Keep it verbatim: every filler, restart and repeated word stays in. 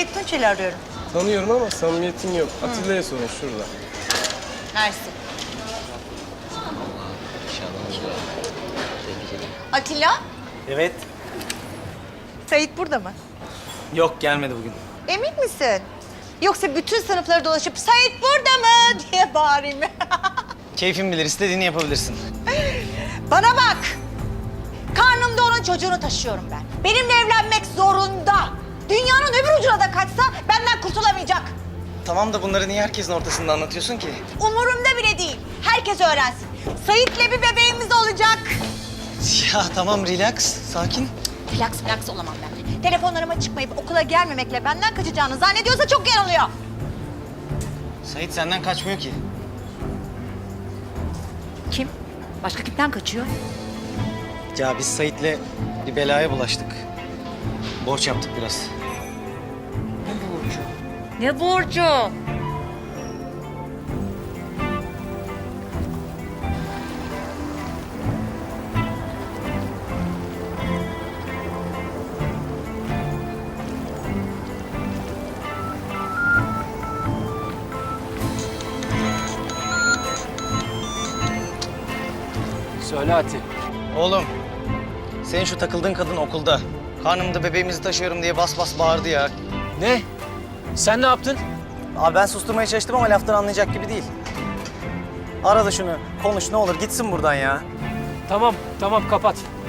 Sait Tunçel'i arıyorum. Tanıyorum ama samimiyetim yok. Atilla'ya sorun şurada. Mersi. Atilla, Evet. Sait burada mı? Yok, gelmedi bugün. Emin misin? Yoksa bütün sınıfları dolaşıp Sait burada mı diye bağırayım mı? Keyfin bilir, istediğini yapabilirsin. Bana bak! Karnımda onun çocuğunu taşıyorum ben. Benimle evlenmek zorunda. Dünyanın öbür ucuna da kaçsa benden kurtulamayacak. Tamam da bunları niye herkesin ortasında anlatıyorsun ki? Umurumda bile değil. Herkes öğrensin. Sait'le bir bebeğimiz olacak. Ya tamam, relax, sakin. Relax relax olamam ben. Telefonlarıma çıkmayıp okula gelmemekle benden kaçacağını zannediyorsa çok yanılıyor. Sait senden kaçmıyor ki. Kim? Başka kimden kaçıyor? Ya biz Sait'le bir belaya bulaştık. Borç yaptık biraz. Ne borcu? Ne borcu? Söyle Ati. Oğlum, senin şu takıldığın kadın okulda. Karnımda bebeğimizi taşıyorum diye bas bas bağırdı ya. Ne? Sen ne yaptın? Abi ben susturmaya çalıştım ama laftan anlayacak gibi değil. Ara da şunu, konuş ne olur, gitsin buradan ya. Tamam, tamam kapat.